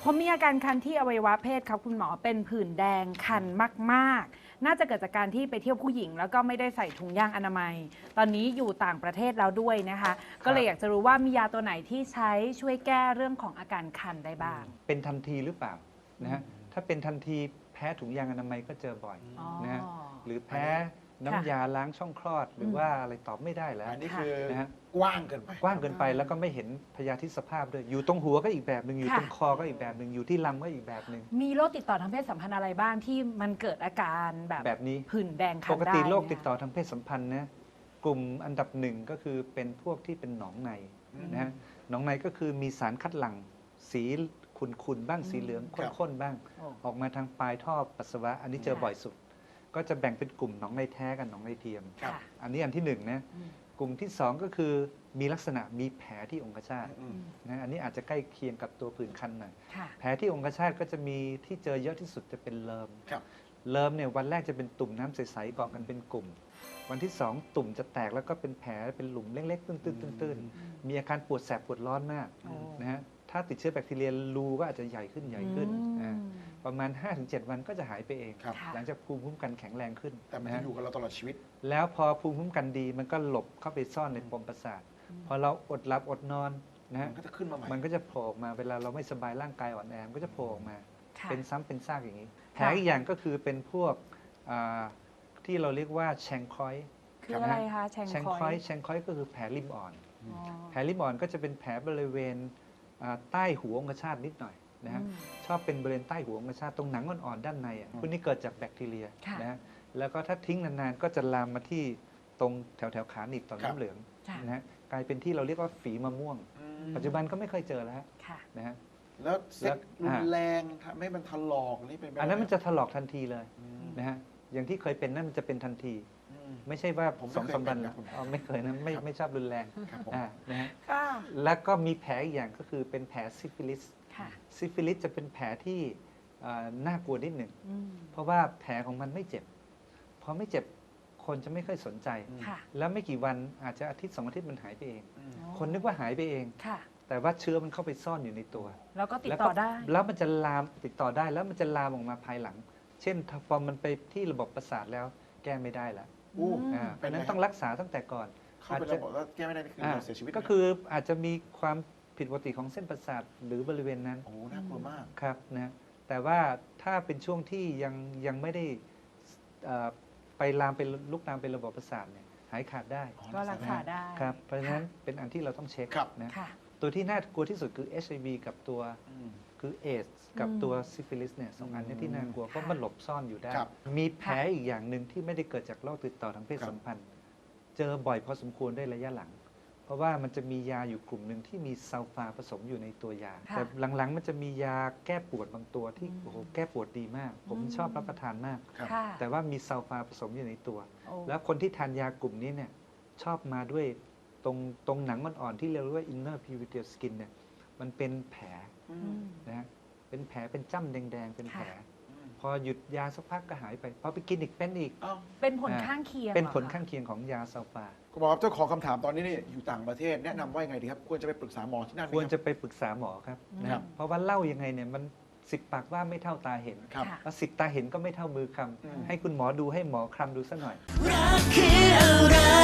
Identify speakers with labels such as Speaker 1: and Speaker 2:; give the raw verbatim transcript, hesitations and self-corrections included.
Speaker 1: ผมมีอาการคันที่อวัยวะเพศครับคุณหมอเป็นผื่นแดงคันมากๆน่าจะเกิดจากการที่ไปเที่ยวผู้หญิงแล้วก็ไม่ได้ใส่ถุงยางอนามัยตอนนี้อยู่ต่างประเทศแล้วด้วยนะคะก็เลยอยากจะรู้ว่ามียาตัวไหนที่ใช้ช่วยแก้เรื่องของอาการคันได้บ้าง
Speaker 2: เป็นทันทีหรือเปล่านะฮะถ้าเป็นทันทีแพ้ถุงยางอนามัยก็เจอบ่อยนะฮะหรือแพ้น้ำยาล้างช่องคลอดหรือว่าอะไรตอบไม่ได้แล้ว
Speaker 3: อันนี้คือ
Speaker 2: นะฮะ
Speaker 3: กว้างเกินไป
Speaker 2: กว้างเกินไปแล้วก็ไม่เห็นพยาธิสภาพด้วยอยู่ตรงหัวก็อีกแบบหนึ่งอยู่ตรงคอก็อีกแบบหนึ่งอยู่ที่ลำก็อีกแบบหนึ่ง
Speaker 1: มีโรคติดต่อทางเพศสัมพันธ์อะไรบ้างที่มันเกิดอาการแบบ
Speaker 2: แบบนี้
Speaker 1: ผื่นแดงคันได้
Speaker 2: ปกติโรคติดต่อทางเพศสัมพันธ์นะกลุ่มอันดับหนึ่งก็คือเป็นพวกที่เป็นหนองในนะฮะหนองในก็คือมีสารคัดหลั่งสีขุ่นๆบ้างสีเหลืองข้นๆบ้างออกมาทางปลายท่อปัสสาวะอันนี้เจอบ่อยสุดก็จะแบ่งเป็นกลุ่มหนองในแท้กับหนองในเทียมอันนี้อันที่หนึ่งนะกลุ่มที่สองก็คือมีลักษณะมีแผลที่องคชาตนะอันนี้อาจจะใกล้เคียงกับตัวผื่นคันหน่อยแผลที่องคชาตก็จะมีที่เจอเยอะที่สุดจะเป็นเลิมเลิมเนี่ยวันแรกจะเป็นตุ่มน้ำใสๆเกาะกันเป็นกลุ่มวันที่สองตุ่มจะแตกแล้วก็เป็นแผลเป็นหลุมเล็กๆตื้นๆๆมีอาการปวดแสบปวดร้อนมากนะฮะถ้าติดเชื้อแบคทีเรียรูก็อาจจะใหญ่ขึ้นใหญ่ขึ้นประมาณ ห้าถึงเจ็ด วันก็จะหายไปเองหลังจากภูมิคุ้มกันแข็งแรงขึ้น
Speaker 3: แต่มันจะอยู่กับเราตลอดชีวิต
Speaker 2: แล้วพอภูมิคุ้มกันดีมันก็หลบเข้าไปซ่อนในปมประสาทพอเราอดหลับอดนอนนะฮะ
Speaker 3: มันก็จะขึ้นมาใหม่
Speaker 2: มันก็จะโผล่มาเวลาเราไม่สบายร่างกายอ่อนแอมันก็จะโผล่ออกมาเป็นซ้ำเป็นซากอย่างนี้แผลอีกอย่างก็คือเป็นพวกที่เราเรียกว่าแชงคอย
Speaker 1: คืออะไรคะแชงคอย
Speaker 2: แชงคอยก็คือแผลริมอ่อนแผลริมอ่อนก็จะเป็นแผลบริเวณใต้หัวองคชาตนิดหน่อยนะฮะชอบเป็นบริเวณใต้หัวองคชาตตรงหนังอ่อนๆด้านในพวกนี้เกิดจากแบคทีเรียนะฮะแล้วก็ถ้าทิ้งนานๆก็จะลามมาที่ตรงแถวๆขาหนีบต่อมน้ำเหลืองนะฮะกลายเป็นที่เราเรียกว่าฝีมะม่วงปัจจุบันก็ไม่ค่อยเจอแล้วนะฮะ
Speaker 3: แล้วเซ็กรุนแรงทำให้มันถลอกนี่เป็น
Speaker 2: อันนั้นมันจะถลอกทันทีเลยนะฮะอย่างที่เคยเป็นนั่นมันจะเป็นทันทีไม่ใช่ว่าผมสองสามวันอ๋อไม่เคยนะไม่ไม่ชอบรุนแรงนะฮะแล้วก็มีแผลอีกอย่างก็คือเป็นแผลซิฟิลิสซิฟิลิสจะเป็นแผลที่น่ากลัวนิดหนึ่งเพราะว่าแผลของมันไม่เจ็บพอไม่เจ็บคนจะไม่ค่อยสนใจแล้วไม่กี่วันอาจจะอาทิตย์สองอาทิตย์มันหายไปเองคนนึกว่าหายไปเองแต่ว่าเชื้อมันเข้าไปซ่อนอยู่ในตัว
Speaker 1: แล้วก็ติดต่อได้
Speaker 2: แล้วมันจะลามติดต่อได้แล้วมันจะลามออกมาภายหลังเช่นพอมันไปที่ระบบประสาทแล้วแก้ไม่ได้แล้วเพราะนั้นต้องรักษาตั้งแต่ก่อน
Speaker 3: อาจจะบอกว่าแก้ไม่ได้คือเสียชีวิต
Speaker 2: ก็คืออาจจะมีความผิดปกติของเส้นประสาทหรือบริเวณนั้น
Speaker 3: โอ้น่ากลัวมาก
Speaker 2: ครับนะแต่ว่าถ้าเป็นช่วงที่ยังยังไม่ได้ไปลามไปลุกลามเป็นระบบประสาทเนี่ยหายขาดได้
Speaker 1: ก็รักษาได้
Speaker 2: ครับเพราะฉะนั้นเป็นอันที่เราต้องเช็คนะตัวที่น่ากลัวที่สุดคือ เอช ไอ วี กับตัวคือเอดส์กับตัวซิฟิลิสเนี่ยสองอันนี้ที่น่ากลัวเพราะมันหลบซ่อนอยู่ได้มีแผลอีกอย่างหนึ่งที่ไม่ได้เกิดจากโรคติดต่อทางเพศสัมพันธ์เจอบ่อยพอสมควรได้ระยะหลังเพราะว่ามันจะมียาอยู่กลุ่มหนึ่งที่มีซัลฟาผสมอยู่ในตัวยาแต่หลังๆมันจะมียาแก้ปวดบางตัวที่โอ้โหแก้ปวดดีมากผมชอบรับประทานมากแต่ว่ามีซัลฟาผสมอยู่ในตัวแล้วคนที่ทานยากลุ่มนี้เนี่ยชอบมาด้วยตรงตรงหนังอ่อนๆที่เรียกว่า inner epithelial skin เนี่ยมันเป็นแผลนะฮะเป็นแผลเป็นจ้ำแดงๆเป็นแผลพอหยุดยาสักพักก็หายไปพอไปกินอีกเป็นอีก
Speaker 1: เป็นผลข้างเคียง
Speaker 2: เป็นผลข้างเคียงของยาซัลฟา
Speaker 3: คุณหมอครับเจ้าของคำถามตอนนี้นี่อยู่ต่างประเทศแนะนำว่ายังไงดีครับควรจะไปปรึกษาหมอที่นั่น
Speaker 2: ควรจะไปปรึกษาหมอครับนะครับเพราะว่าเล่ายังไงเนี่ยมันสิบปากว่าไม่เท่าตาเห็นแล้วสิบตาเห็นก็ไม่เท่ามือคำให้คุณหมอดูให้หมอคลำดูซะหน่อยรักคืออะไร